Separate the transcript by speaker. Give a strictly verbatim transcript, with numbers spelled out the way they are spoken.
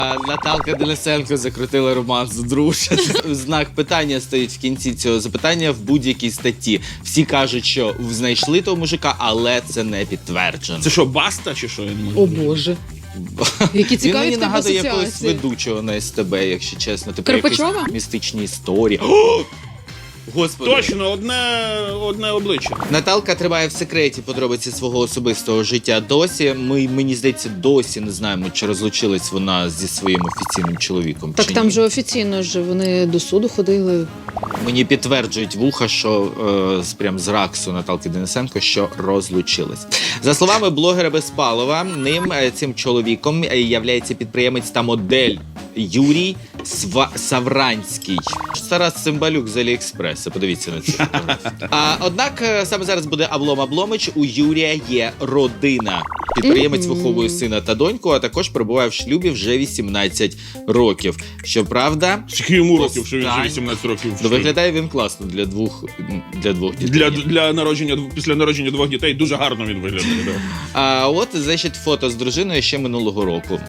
Speaker 1: А Наталка Денисенко закрутила роман з дружин. Знак питання стоїть в кінці цього запитання в будь-якій статті. Всі кажуть, що знайшли того мужика, але це не підтверджено.
Speaker 2: Це що, Баста чи що? Я не можу.
Speaker 3: О Боже. Які
Speaker 1: Він
Speaker 3: цікаві
Speaker 1: мені
Speaker 3: в тебе
Speaker 1: нагадує якогось
Speaker 3: асоціації.
Speaker 1: ведучого на ес те бе, якщо чесно. Типу
Speaker 3: Карпачова?
Speaker 1: якісь містичні історії. О! Господи.
Speaker 2: Точно, одне, одне обличчя.
Speaker 1: Наталка тримає в секреті подробиці свого особистого життя досі. Ми, мені здається, досі не знаємо, чи розлучилась вона зі своїм офіційним чоловіком.
Speaker 3: Так
Speaker 1: чи
Speaker 3: там
Speaker 1: ні.
Speaker 3: же офіційно ж вони до суду ходили.
Speaker 1: Мені підтверджують вуха, що е, з- прям з раксу Наталки Денисенко, що розлучились. За словами блогера Безпалова, ним е, цим чоловіком е, являється підприємець та модель Юрій Сва... Савранський. Тарас Цимбалюк з Аліекспреса. Подивіться на це. А однак е, саме зараз буде Аблом Абломич. У Юрія є родина. Підприємець
Speaker 3: Мгм.
Speaker 1: виховує сина та доньку, а також перебуває в шлюбі вже вісімнадцять років. Щоправда,
Speaker 2: Скільки йому років, що він вже
Speaker 1: Остань-
Speaker 2: вісімнадцять років?
Speaker 1: ну, виглядає він класно для двох, для двох дітей.
Speaker 2: Для, для народження, після народження двох дітей дуже гарно він виглядає. Да.
Speaker 1: А от, значить, фото з дружиною ще минулого року.